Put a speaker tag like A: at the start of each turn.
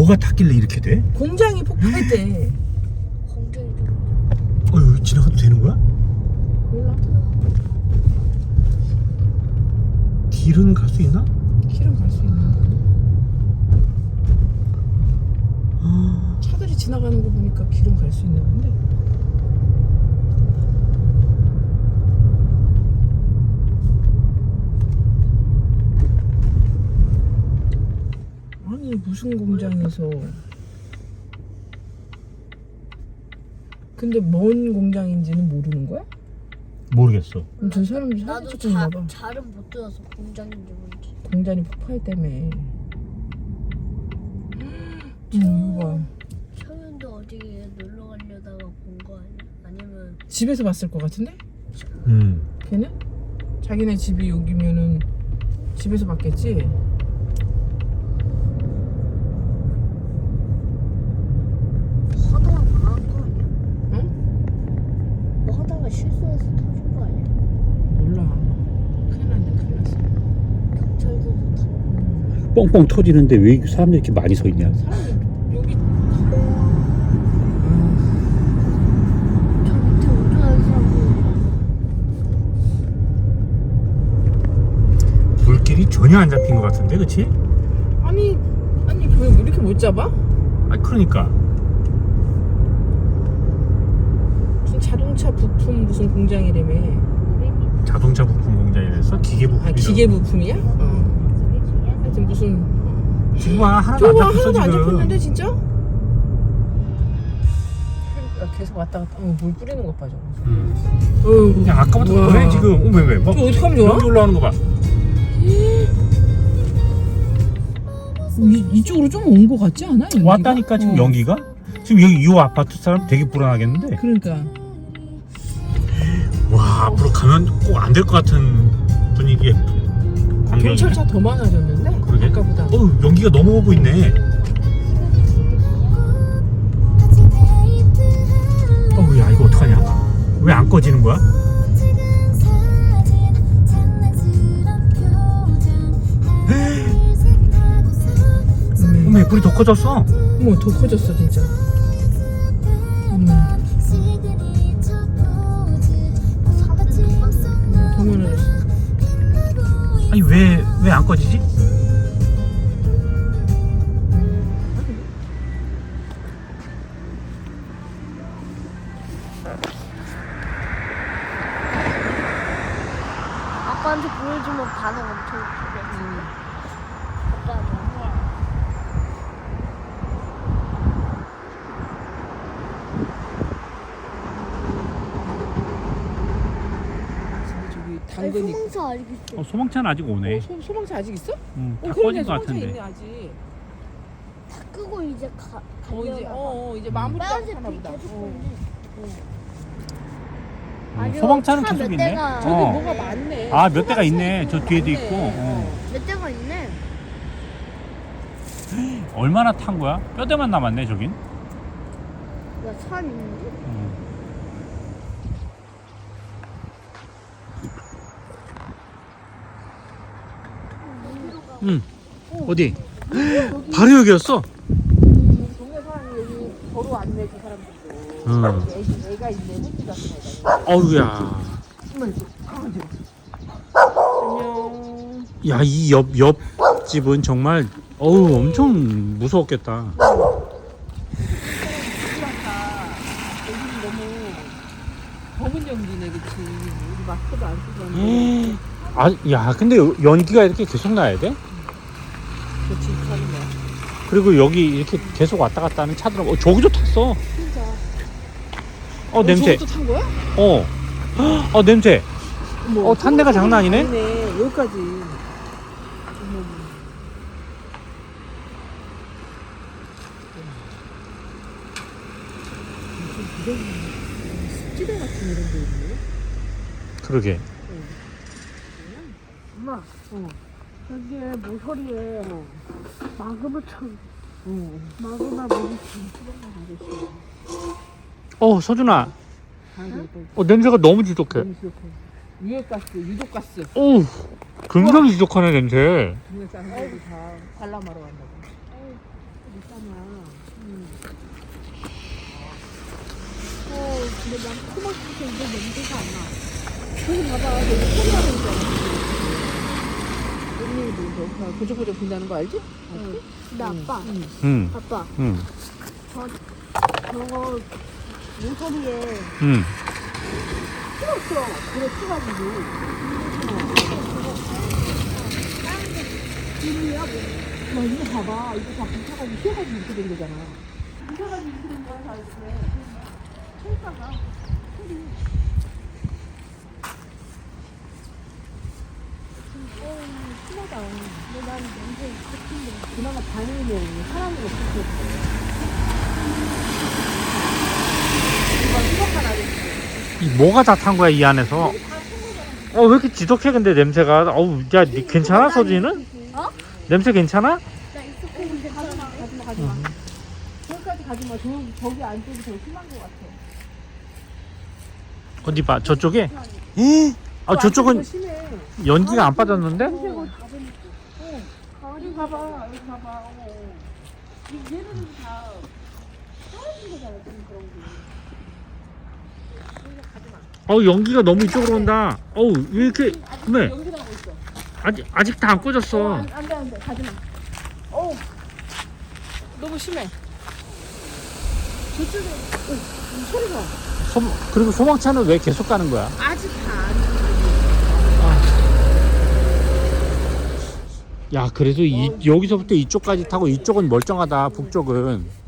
A: 뭐가 탔길래 이렇게 돼?
B: 공장이 폭파했대.
C: 공장이
A: 여기 지나가도 되는 거야?
B: 몰라.
A: 길은 갈 수 있나?
B: 길은 갈 수 있나? 차들이 지나가는 거 보니까 길은 갈 수 있나 본데. 아니 무슨 공장에서? 근데 뭔 공장인지는 모르는 거야?
A: 모르겠어.
B: 그럼 저 사람들 사진
C: 나도
B: 찍고 있나 봐.
C: 잘은 못 들어서 공장인지 뭔지.
B: 공장이 폭파했다며. 이거 봐.
C: 청년도 어디 놀러 가려다가 본 거 아니야? 아니면
B: 집에서 봤을 것 같은데?
A: 음.
B: 걔는? 자기네 집이 여기면은 집에서 봤겠지?
C: 하다가 망한 거 아니야?
B: 응?
C: 뭐 하다가 실수해서 터진 거 아니야?
B: 몰라. 큰일 났네, 큰일 났어.
C: 경찰들도 다
A: 뻥뻥 터지는데 왜 사람들이 이렇게 많이 서 있냐?
B: 사람이 여기
C: 저 밑에 운전하는 사람들
A: 불길이 전혀 안 잡힌 것 같은데, 그치?
B: 아니 왜 이렇게 못 잡아?
A: 아, 그러니까.
B: 무슨 자동차 부품 무슨 공장이라며.
A: 자동차 부품 공장이라서 기계 부품.
B: 아 기계 부품이야? 하여튼 무슨
A: 지금 하나도 안
B: 저거
A: 잡혔어,
B: 하나도 안
A: 지금.
B: 잡혔는데 진짜? 그러니까 계속 왔다 갔다. 물 뿌리는 것 봐 저거.
A: 그냥 아까부터
B: 우와.
A: 그래, 지금. 왜? 뭐,
B: 저거 어떡하면 좋아?
A: 여기 올라오는 거 봐.
B: 이쪽으로 좀 온 것 같지 않아? 연기가?
A: 왔다니까, 지금 연기가? 지금 여기 이 아파트 사람 되게 불안하겠는데?
B: 그러니까
A: 와, 앞으로 가면 꼭 안 될 것 같은 분위기의 광경이네.
B: 경찰차 더 많아졌는데?
A: 그러게?
B: 아까보다.
A: 연기가 너무 오고 있네. 야, 이거 어떡하냐? 왜 안 꺼지는 거야? 어머, 불이 더 커졌어.
B: 어머 더 커졌어 진짜. 어머 더 많아졌어.
A: 아니, 왜 안 꺼지지?
C: 아빠한테 보여주면 반응 엄청 크겠지. 아빠는
B: 저기 당근이.
C: 소방차 아직 있어.
A: 소방차는 아직 오네.
B: 소방차 아직 있어?
A: 다
B: 그러네,
A: 꺼진 것
B: 소방차
A: 같은데.
B: 있네 아직.
C: 다 끄고 이제 가려나
B: 이제 마무리가
C: 빨간색
B: 하나
C: 빛
B: 보다.
C: 계속
B: 어.
C: 보이네. 아니요,
A: 소방차는
C: 차
A: 계속
C: 몇
A: 있네.
C: 대가-
B: 저기
A: 어.
B: 뭐가 많네.
A: 아, 몇 대가
B: 소방차
A: 있네. 저 뒤에도
B: 많네.
A: 있고.
C: 몇 대가 있네.
A: 얼마나 탄 거야? 뼈대만 남았네, 저긴.
C: 야차 있는데?
A: 응. 어디? 바로 여기였어.
B: 동네 사람이 여기 도로 왔네 그 사람들도. 애가 있네 햇빛 같은 애가.
A: 어우야.
B: 안녕.
A: 야, 이 옆집은 정말 엄청 무서웠겠다.
B: 여기는 너무 검은 연기네 그치. 우리 마스크도 안 쓰고 왔는데.
A: 아, 야, 근데 연기가 이렇게 계속 나야 돼?
B: 그치 하는 거야.
A: 그리고 여기 이렇게 계속 왔다 갔다 하는 차들은 저기도 탔어.
B: 진짜.
A: 냄새.
B: 저것도 탄 거야?
A: 냄새.
B: 뭐,
A: 탄 데가 장난 아니네?
B: 아니네. 여기까지. 습지대 같은 이런 데 있네.
A: 그러게.
C: 엄마, 여기에 모서리에 마그마처럼 마그마 뭐지?
A: 서준아. 냄새가 너무 지독해.
B: 유해가스, 유독가스.
A: 굉장히 지독하네, 냄새.
B: 동네 사람들이 다 관람하러 간다고. 근데 난 토마토에서 이거 냄새가 안 나. 저기 봐봐, 여기 토마토 있잖아. 여기 보조보조 분다는 거 알지?
C: 근데 아빠,
A: 응.
C: 아빠,
A: 응.
C: 저거 모서리에
A: 응.
B: 풀었어. 그래, 풀어가지고.
C: 김이야 뭐?
B: 야, 이거 봐봐. 이거 다 붙여가지고 휘어가지고 이렇게 된 거잖아. 붙여가지고 이렇게 된 거야, 다 이렇게. 철사가. 심하다.
C: 근데 난 냄새 좋던데.
B: 그나마 다행이네. 사람이 없을 때. 이거 수박만 알겠지.
A: 이 뭐가 다 탄 거야 이 안에서? 왜 이렇게 지독해 근데 냄새가? 어우 야 괜찮아 서진이는?
C: 어?
A: 냄새 괜찮아?
C: 나 익숙해 괜찮아.
B: 가지마. 저기까지 가지마. 저기 안쪽이 더 심한 것 같아.
A: 어디 봐 저쪽에? 아 저쪽은
B: 심해.
A: 연기가 안 빠졌는데?
B: 여기 봐봐. 여기 봐봐. 얘네들은 다 떨어진 거잖아. 지금 그런 게.
A: 연기가 너무 이쪽으로 온다. 왜 이렇게 왜?
B: 여기 나고 있어.
A: 아직 다 안 꺼졌어.
B: 안 돼. 가지마. 너무 심해. 저쪽에 소리가.
A: 그리고 소방차는 왜 계속 가는 거야?
B: 아직 다 안.
A: 야 그래도 여기서부터 이쪽까지 타고 이쪽은 멀쩡하다 북쪽은.